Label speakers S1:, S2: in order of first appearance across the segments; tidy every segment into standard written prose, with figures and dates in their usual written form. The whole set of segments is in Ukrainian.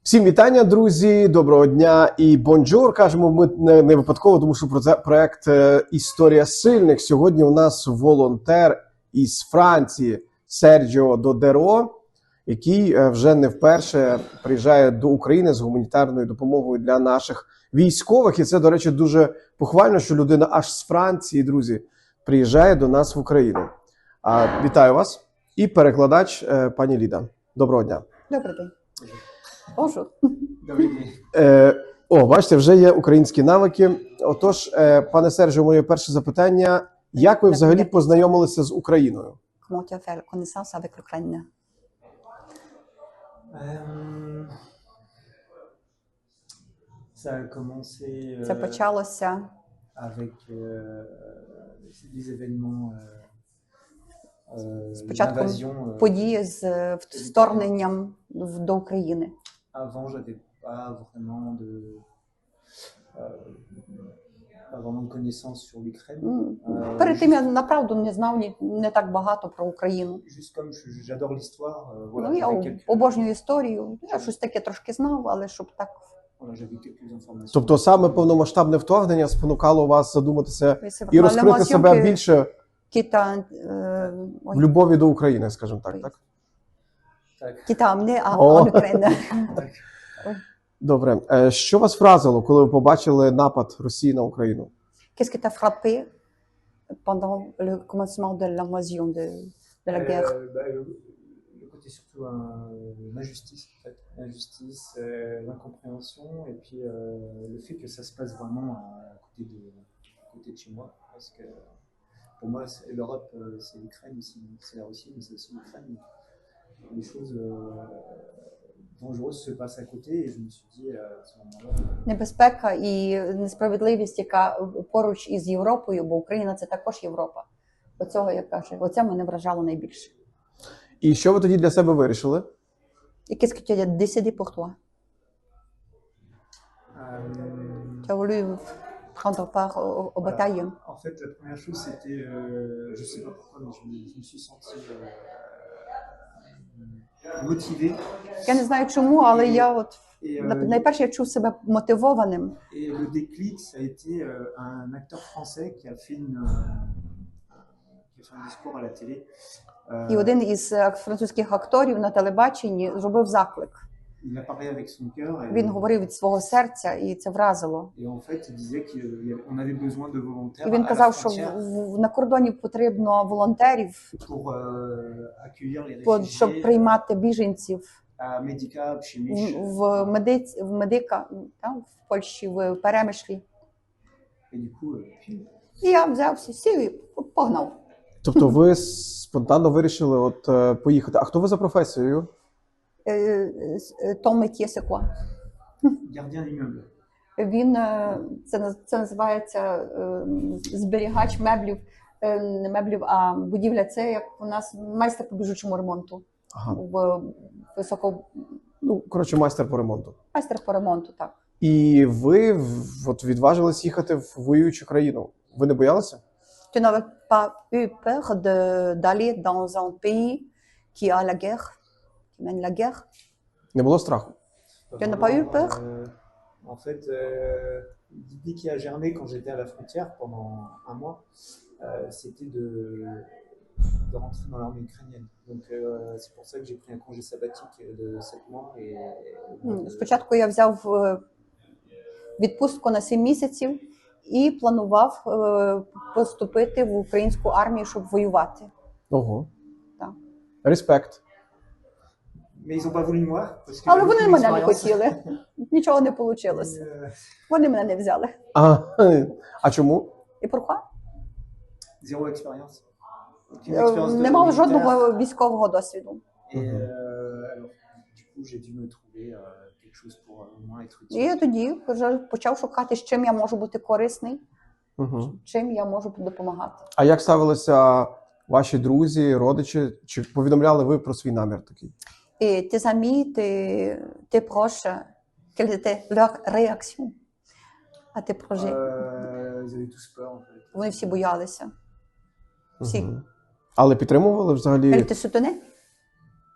S1: Всім вітання, друзі! Доброго дня і бонджур. Кажемо ми не випадково, тому що про це проект «Історія сильних». Сьогодні у нас волонтер із Франції Серджіо Додеро, який вже не вперше приїжджає до України з гуманітарною допомогою для наших військових. І це, до речі, дуже похвально, що людина аж з Франції, друзі, приїжджає до нас в Україну. Вітаю вас. І перекладач пані Ліда. Доброго дня.
S2: Добрий день. Bonjour.
S1: Бачите, вже є українські навики. Отож, пане Серджіо, моє перше запитання. Як ви взагалі познайомилися з Україною?
S2: Comment tu as fait connaissance avec l'Ukraine?
S3: Ça a commencé
S2: Це почалося
S3: avec les événements
S2: спочатку
S3: l'invasion.
S2: події з вторгненням до України.
S3: Avant, j'avais pas vraiment de connaissances sur l'Ukraine.
S2: Перед тим я направду не знав не так багато про Україну.
S3: Juste comme j'adore l'histoire, voilà,
S2: Ну, я
S3: j'avais quelques,
S2: обожнюю історію. Я щось таке трошки знав, але щоб так
S3: voilà, j'avais quelques informations.
S1: Тобто саме повномасштабне вторгнення спонукало вас задуматися і розкрити себе більше в любові до України, скажімо так, так?
S3: Так.
S2: Кита мене,
S1: О.
S2: Україна.
S3: Так.
S1: Добре. Що вас вразило, коли ви побачили напад Росії на Україну?
S2: Qu'est-ce qui t'a frappé pendant le commencement de l'invasion de la guerre?
S3: Le côté surtout l'injustice, en fait. L'injustice, l'incompréhension, et puis le fait que ça se passe vraiment à côté de chez moi. Parce que pour moi, l'Europe, c'est l'Ukraine, c'est la Russie, mais c'est aussi l'Ukraine. Les choses dangereuses se passent à côté, et je me suis dit à ce moment-là.
S2: Небезпека і несправедливість, яка поруч із Європою, бо Україна – це також Європа. Оцього, як каже, оце мене вражало найбільше.
S1: І що ви тоді для себе вирішили?
S2: І qu'est-ce que tu as décidé pour toi? Tu as voulu prendre part aux batailles?
S3: En fait, la première chose, c'était, je sais pas pourquoi, mais je me suis senti motivé.
S2: Я не знаю чому, але я от
S3: Et,
S2: найперше я чув себе мотивованим.
S3: et le déclic, ça a été un acteur français qui a fait un discours à la télé.
S2: І один із французьких акторів на телебаченні зробив заклик.
S3: Il a parlé avec son cœur. Et,
S2: Він говорив від свого серця, і це вразило.
S3: et en fait, il disait qu'on avait besoin de volontaires
S2: І він
S3: à la
S2: казав, що
S3: frontière
S2: на кордоні потрібно волонтерів,
S3: pour accueillir les
S2: щоб
S3: réfugiés
S2: приймати біженців
S3: à Medica, chez Mich.
S2: в Медика, там, в Польщі, в Перемишлі.
S3: Et du coup,
S2: І я взявся, сів і погнав.
S1: Тобто ви спонтанно вирішили поїхати. А хто ви за професією?
S2: Ton métier, c'est quoi?
S3: gardien d'immeuble.
S2: Він, це називається зберігач меблів, не меблів, а будівля. Це як у нас майстер по біжучому ремонту.
S1: Ага. Коротше, майстер по ремонту.
S2: Майстер по ремонту, так.
S1: І ви відважились їхати в воюючу країну. Ви не боялися?
S2: Tu n'avais pas eu peur d'aller dans un pays qui a la guerre, qui mène la guerre?
S1: Не було страху?
S2: Tu n'as pas eu peur?
S3: En fait, l'idée qui a germé quand j'étais à la frontière pendant un mois, c'était de rentrer dans l'armée ukrainienne. Donc c'est pour ça que j'ai pris un congé sabbatique de 7 mois.
S2: Спочатку я взяв відпустку на 7 місяців і планував поступити в українську армію, щоб воювати.
S1: Ого.
S2: Так.
S1: Респект.
S3: Mais ils ont pas voulu de moi. Parce que
S2: Але
S3: j'avais
S2: вони
S3: aucune
S2: мене не
S3: expérience.
S2: хотіли. Нічого не вийшло. Вони мене не взяли.
S1: А чому?
S2: І pourquoi?
S3: Zéro expérience. Aucune expérience
S2: Не мав
S3: militaire.
S2: жодного військового досвіду.
S3: Et alors, du coup, j'ai dû me trouver quelque chose pour au moins être
S2: І я
S3: utile.
S2: тоді вже почав шукати, з чим я можу бути корисний,
S1: Угу.
S2: чим я можу допомагати.
S1: А як ставилися ваші друзі, родичі? Чи повідомляли ви про свій намір такий?
S2: Et tes amis, tes proches, quelle était leur réaction à tes projets?
S3: Ils avaient tous peur en fait.
S2: Вони всі боялися. Всі.
S1: Мгм. Але підтримували взагалі?
S2: Elle te soutenait?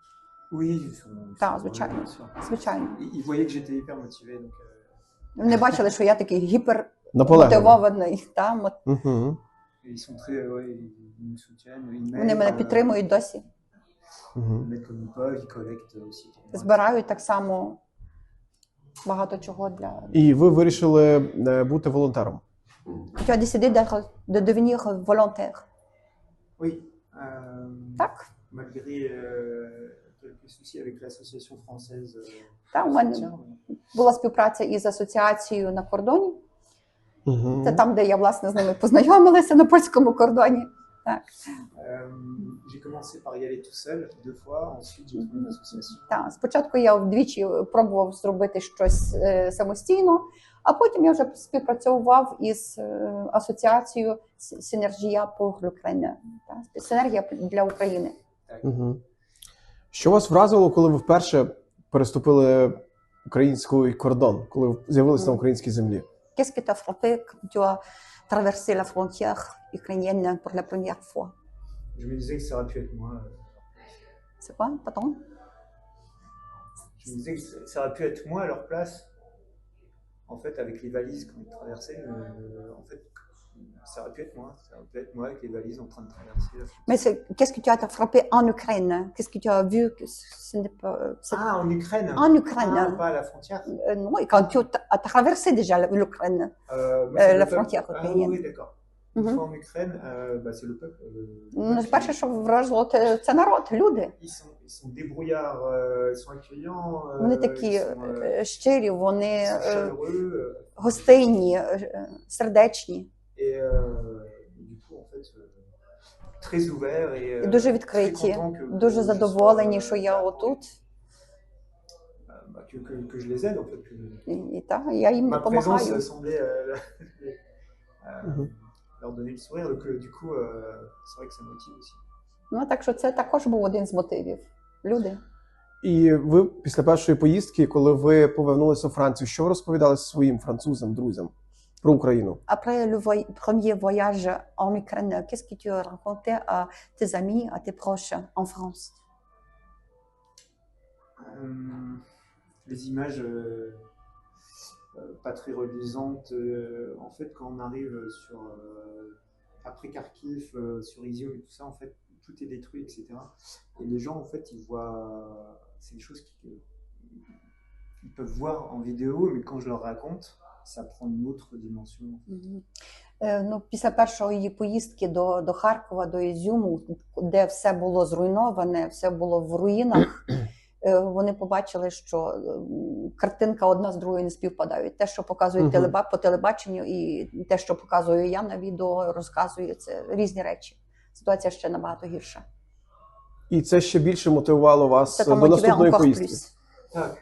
S3: Oui, ils
S2: Ah,
S3: sont
S2: звичайно.
S3: bien sûr.
S2: Звичайно.
S3: Ils voyaient que j'étais hyper motivé, donc
S2: Вони бачили, що я такий
S1: Наполегливо.
S2: гіпермотивований.
S1: Угу.
S3: ils sont très, ouais, ils me soutiennent, ils
S2: Вони
S3: m'aident,
S2: мене підтримують досі.
S1: Угу.
S3: ils m'aident comme ils peuvent, ils collectent aussi pour moi.
S2: Збирають так само багато чого для.
S1: І ви вирішили бути волонтером.
S2: Tu as décidé de devenir volontaire.
S3: Oui,
S2: Так,
S3: malgré quelques soucis avec l'association française.
S2: так, у мене була співпраця із асоціацією на кордоні.
S1: Угу.
S2: Це там, де я, власне, з ними познайомилася на польському кордоні. Так,
S3: J'ai commencé par y aller tout seul 2 fois, ensuite j'ai trouvé une association.
S2: так. Спочатку я вдвічі пробував зробити щось самостійно, а потім я вже співпрацював із асоціацією Синергія pour l'Ukraine. Так, Синергія для України.
S1: Угу. Що вас вразило, коли ви вперше переступили український кордон, коли ви з'явилися на українській землі?
S2: Qu'est-ce qui t'a frappé quand tu as traversé la frontière ukrainienne pour la première fois?
S3: Je me disais que ça aurait pu être moi.
S2: C'est quoi, pardon?
S3: Je me disais que ça aurait pu être moi à leur place. En fait, avec les valises quand ils traversaient, en fait, ça aurait pu être moi. Ça aurait pu être moi avec les valises en train de traverser.
S2: Mais qu'est-ce que tu as frappé en Ukraine? Qu'est-ce que tu as vu que ce n'est pas...
S3: Ah, en Ukraine.
S2: En Ukraine.
S3: Ah, pas à la frontière.
S2: Non, et quand tu as traversé déjà l'Ukraine,
S3: Moi, c'est le
S2: la
S3: peuple.
S2: frontière
S3: Ah
S2: ukrainienne.
S3: oui, d'accord. Une fois en Ukraine, bah, c'est le peuple.
S2: Ну, перше, що вразило, це народ, люди.
S3: Ils sont débrouillards, ils sont accueillants.
S2: Вони такі
S3: ils sont,
S2: щирі, вони
S3: ils sont chaleureux.
S2: гостинні, сердечні
S3: Et du coup, en fait, très ouverts et
S2: і дуже
S3: très
S2: відкриті,
S3: contents que
S2: дуже
S3: je
S2: задоволені,
S3: sois,
S2: що я отут.
S3: Que je les aide, en fait.
S2: І так, я їм
S3: Ma présence
S2: допомагаю.
S3: semblait
S1: Mhm.
S3: leur donner le sourire, donc du coup, c'est vrai que ça motive aussi.
S2: Ну, так що це також був один з мотивів. Люди.
S1: І ви після першої поїздки, коли ви повернулися у Францію, що ви розповідали своїм французам, друзям про Україну?
S2: Après le premier voyage en Ukraine, qu'est-ce que tu as raconté à tes amis, à tes proches en France?
S3: Les images pas très reluisantes. En fait, quand on arrive sur après Kharkiv, sur Izium et tout ça, en fait, tout est détruit, etc. Et les gens, en fait, ils voient, c'est des choses qu'ils peuvent voir en vidéo, mais quand je leur raconte, ça prend une autre dimension.
S2: Ну, після першої поїздки до Харкова, до Ізюму, де все було зруйноване, все було в руїнах, вони побачили, що картинка одна з другою не співпадають. Те, що показують по телебаченню, і те, що показую я на відео, розказую, це різні речі. Ситуація ще набагато гірша.
S1: І це ще більше мотивувало вас
S2: Це
S1: до наступної поїздки?
S3: Так.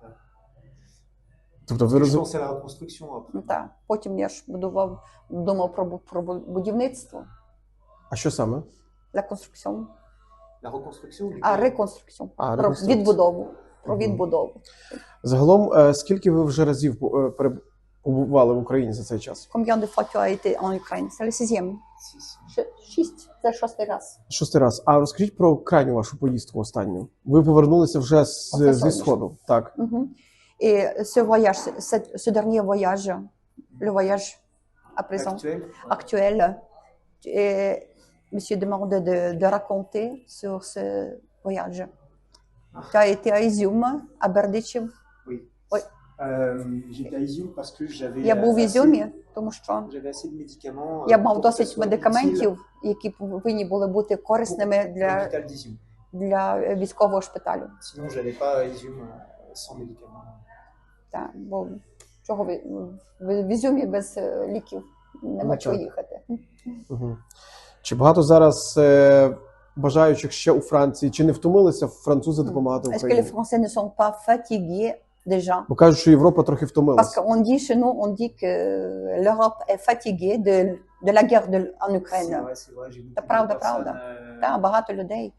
S1: Тобто ви
S3: Je
S1: розумієте?
S3: pensais à la reconstruction après.
S2: Так. Потім я ж думав про будівництво,
S1: А що саме?
S2: la construction,
S3: La reconstruction du
S2: а
S3: pays.
S2: reconstruction,
S1: А,
S2: про
S1: реконструкція.
S2: відбудову. Про відбудову.
S1: Загалом, скільки ви вже разів побували в Україні за цей час?
S2: Combien de fois tu as été en Ukraine? C'est le sixième.
S3: Si.
S2: 6. Це шостий раз.
S1: Шостий раз. А розкажіть про крайню вашу поїздку останню. Ви повернулися вже
S2: Оце
S1: зі
S2: сонячно.
S1: Сходу. Так.
S2: Et ce voyage, ce dernier voyage, le voyage à présent,
S3: Actuel.
S2: actuel, et monsieur demande de raconter sur ce voyage. Tu as été à Izium, à Бердичів.
S3: Oui.
S2: Oui.
S3: J'étais à Izium parce que j'avais.
S2: Я був в
S3: assez-
S2: Ізюмі, тому що
S3: J'avais assez de médicaments.
S2: я
S3: pour
S2: мав
S3: que ça
S2: досить
S3: soit
S2: медикаментів, які повинні були бути
S3: utile
S2: корисними
S3: pour
S2: для
S3: l'hôpital d'Izium.
S2: військового шпиталю.
S3: Sinon, j'allais pas à Izium sans médicaments.
S2: Так, бо чого в Ізюмі без ліків нема
S1: Ну,
S2: чого
S1: так.
S2: їхати.
S1: Угу. Чи багато зараз бажаючих ще у Франції? Чи не втомилися французи допомагати
S2: Est-ce que les
S1: Україні?
S2: Français ne sont pas fatigués déjà?
S1: Бо кажуть, що Європа трохи
S2: Parce
S1: втомилася.
S2: qu'on dit chez nous, on dit que l'Europe est fatiguée de la guerre en Ukraine.
S3: C'est vrai, j'ai beaucoup
S2: правда,
S3: de
S2: правда.
S3: personnes
S2: Так, багато людей,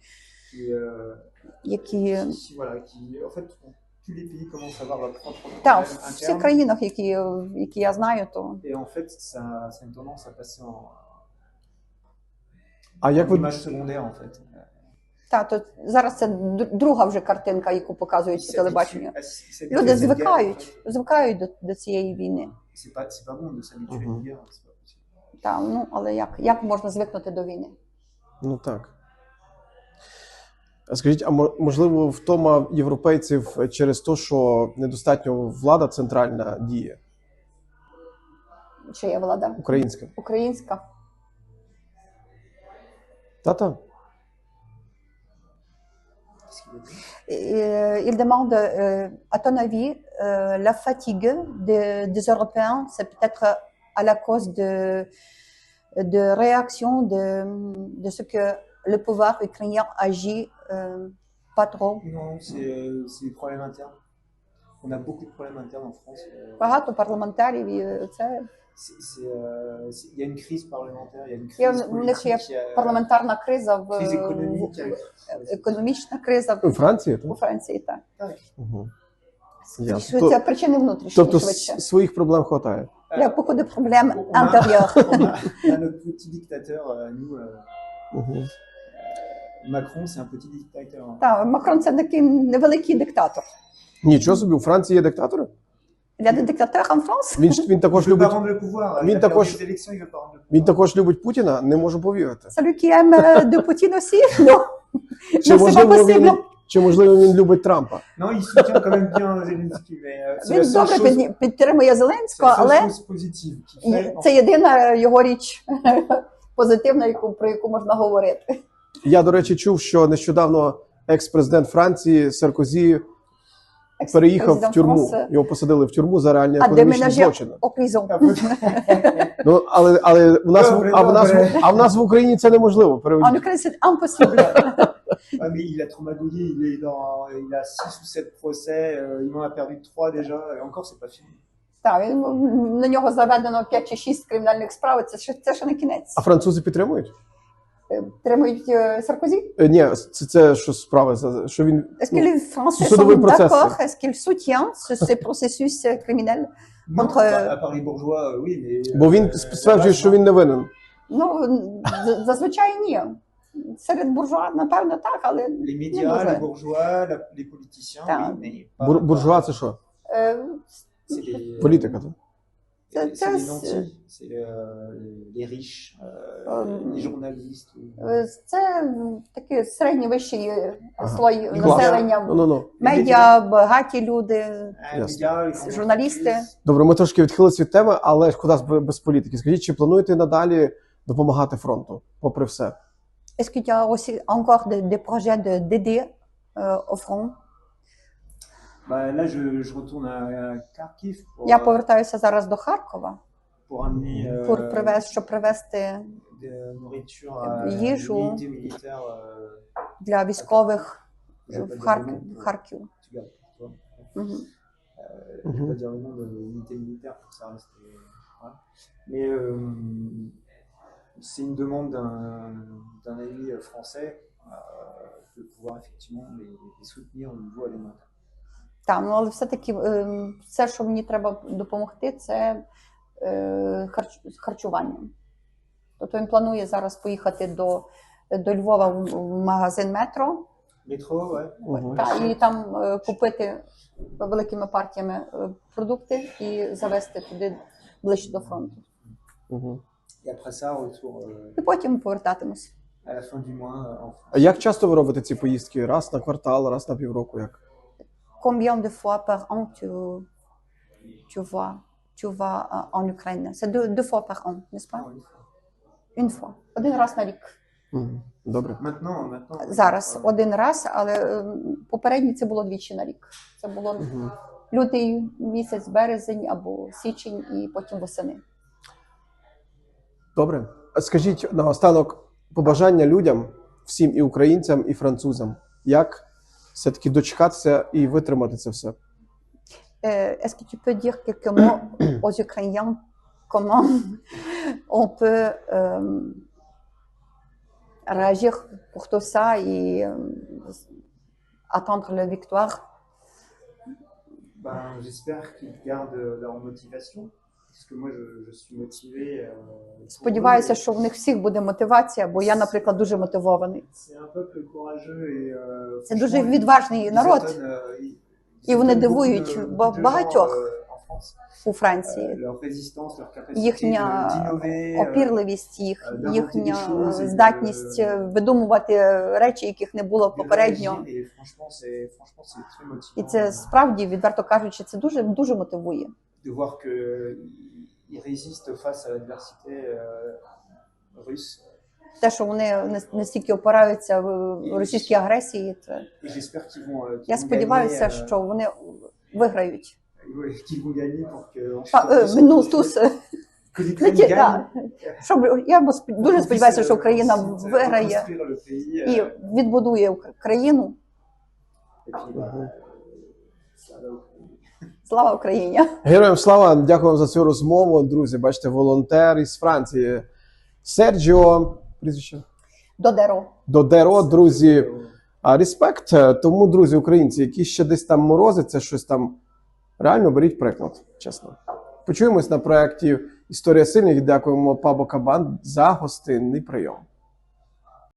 S2: які
S3: voilà, qui, en fait, tous les pays commencent à avoir leur propre
S2: так,
S3: problème
S2: в всіх
S3: interne.
S2: країнах, які я знаю, то
S3: Et en fait, ça a une tendance à passer en
S1: А як ви
S3: image secondaire, en fait.
S2: Та, то зараз це друга вже картинка, яку показують по телебаченню. Люди звикають до цієї війни.
S3: C'est pas bon de s'habituer à une guerre, c'est pas possible.
S2: Та, ну, але як можна звикнути до війни?
S1: Ну так. А скажіть, а можливо, втома європейців через те, що недостатньо влада центральна діє?
S2: Чи є влада?
S1: Українська.
S2: Українська.
S1: Та-та.
S3: Qu'est-ce qu'il veut dire?
S2: Il demande, à ton avis, la fatigue des Européens, c'est peut-être à la cause de réaction de ce que le pouvoir ukrainien agit pas trop.
S3: Non, c'est des problèmes internes. On a beaucoup de problèmes internes en France.
S2: Багато парламентарів, і це
S3: Il y a une crise parlementaire, il y a une
S2: є,
S3: crise
S2: в них є
S3: politique,
S2: парламентарна криза,
S3: crise économique.
S2: економічна криза
S1: У Франції?
S2: у Франції. Так.
S3: Так.
S1: Угу.
S2: Це причини внутрішні,
S1: Тобто
S2: швидше.
S1: своїх проблем хватає.
S2: Il y a beaucoup de problèmes intérieurs.
S3: On a notre petit dictateur, nous.
S1: Угу.
S3: Macron, c'est un petit dictateur.
S2: Так, Макрон це такий невеликий диктатор.
S1: Нічого собі, у Франції є диктатори?
S2: Il y a des dictateurs en France.
S1: Він також
S3: Il veut pas
S1: любить,
S3: rendre le pouvoir.
S1: Він
S3: Il a
S1: також-
S3: perdu les élections, il veut pas rendre le pouvoir.
S1: він також любить Путіна? Не можу повірити.
S2: Celui qui aime de Poutine aussi? Non.
S1: Чи
S2: Non, c'est pas
S1: можливо, він,
S2: possible.
S1: чи можливо він любить Трампа?
S3: Non, il soutient quand même bien Zelensky, mais c'est la
S2: Він
S3: seule
S2: добре
S3: chose,
S2: підтримує
S3: c'est
S2: Зеленського,
S3: la seule
S2: але
S3: chose positive qu'il fait.
S2: це єдина його річ позитивна, про яку можна говорити.
S1: Я, до речі, чув, що нещодавно екс-президент Франції Саркозі переїхав в тюрму. Його посадили в тюрму за реальні
S2: А
S1: економічні
S2: déménager
S1: злочини.
S2: au prison.
S1: Ну, але в нас, а в нас в Україні це неможливо.
S2: En
S1: Переведіть.
S2: Ukraine, c'est impossible.
S3: Ah, mais il a trop magouillé, il a 6 ou 7 procès, il en a perdu 3 déjà, et encore c'est pas fini.
S2: Так, на нього заведено 5 чи 6 кримінальних справ, це ще не кінець.
S1: А французи підтримують?
S2: Підтримують Саркозі?
S1: Ні, це що справи, що він...
S2: Est-ce que les Français
S1: судовий
S2: sont
S1: процес.
S2: d'accord? Est-ce qu'ils soutiennent ces processus criminels?
S3: Non,
S2: Contre-
S3: à part les bourgeois, oui, mais...
S1: Бо він стверджує, що він не винен.
S2: Ну, зазвичай ні. Серед буржуа, напевно, так, але
S3: Les
S2: не
S3: médias, les
S2: дуже.
S3: bourgeois, les politiciens,
S2: Ah.
S3: oui, mais pas...
S1: Буржуа це що?
S2: Е,
S3: C'est les...
S1: Політика, так?
S3: C'est les nantis, c'est les riches, les journalistes.
S2: Це такий середній вищий
S1: Ага.
S2: слой
S3: Клас.
S2: населення.
S1: Ну.
S2: Медіа, багаті люди.
S3: Les
S1: Ясно.
S3: médias, les grandes
S2: Журналісти.
S3: entreprises.
S1: Добре, ми трошки відхилилися від теми, але ж куди без політики. Скажіть, чи плануєте надалі допомагати фронту, попри все?
S2: Est-ce qu'il y a aussi encore des projets d'aider au front?
S3: Bah, là, je retourne à Kharkiv
S2: Я повертаюся зараз до Харкова,
S3: pour amener
S2: щоб привезти
S3: de nourriture à
S2: Їжу.
S3: l'unité militaire.
S2: для військових
S3: Je vais
S2: в
S3: pas dire le nom,
S2: в Харків.
S3: tu gardes pour toi.
S2: Мгм.
S3: Je vais pas dire le nom de l'unité militaire pour que ça reste. Voilà. Mais c'est une demande d'un ami français de pouvoir effectivement les soutenir au niveau alimentaire.
S2: Так, ну але все-таки все, що мені треба допомогти, це харчуванням. Тобто він планує зараз поїхати до Львова в магазин «Метро»,
S3: Métro, ouais.
S1: Мгм.
S2: і там купити великими партіями продукти і завезти туди ближче до фронту.
S1: Угу.
S3: Et après ça, retour
S2: І потім повертатимось.
S3: à la fin du mois en France.
S1: А як часто ви робите ці поїздки? Раз на квартал, раз на півроку? Як?
S2: Combien de fois par an tu vas en Ukraine? C'est deux fois par an, n'est-ce pas? Une fois. Один раз на рік.
S1: Угу. Добре.
S3: Maintenant.
S2: Зараз один раз, але попередньо це було двічі на рік. Це було
S1: Угу.
S2: лютий місяць, березень або січень і потім восени.
S1: Добре. А скажіть наостанок побажання людям, всім і українцям, і французам, як все-таки дочекатися і витримати це все?
S2: Est-ce que tu peux dire quelques mots aux Ukrainiens? Comment on peut réagir pour tout ça et attendre la victoire?
S3: Ben, j'espère qu'ils gardent leur motivation. Parce que moi, je suis motivé. Pour
S2: Сподіваюся,
S3: eux,
S2: що в них всіх буде мотивація, бо я, наприклад, дуже мотивований.
S3: C'est un peuple courageux et
S2: Це дуже
S3: franchement,
S2: відважний
S3: ils
S2: народ
S3: étonnent,
S2: І вони
S3: étonnent
S2: дивують
S3: beaucoup de
S2: багатьох
S3: gens, en France.
S2: у Франції.
S3: Leur résistance, leur capacité
S2: Їхня
S3: d'innover,
S2: опірливість, їхня здатність видумувати речі, яких не було
S3: de
S2: попередньо.
S3: réagir, et franchement, c'est très motivant.
S2: І це справді, відверто кажучи, це дуже дуже мотивує.
S3: De voir que ils résistent face à l'adversité russe.
S2: Те, що вони настільки опираються в російській агресії, це
S3: Et j'espère qu'ils vont.
S2: я сподіваюся, що вони виграють.
S3: Qu'ils vont gagner pour que.
S2: Ну, туз,
S3: Que l'Ukraine gagne.
S2: так. Щоб я дуже сподіваюся, що Україна
S3: Reconstruire
S2: виграє
S3: le pays,
S2: і відбудує країну.
S3: et puis, ça va.
S2: Слава Україні!
S1: Героям слава, дякую за цю розмову, друзі. Бачите, волонтер із Франції Серджіо, прізвище
S2: Додеро.
S1: Додеро, друзі. Респект. Тому, друзі, українці, які ще десь там морозиться, щось там, реально беріть приклад, чесно. Почуємось на проєкті Історія сильних. Дякуємо Пабо Кабан за гостинний прийом.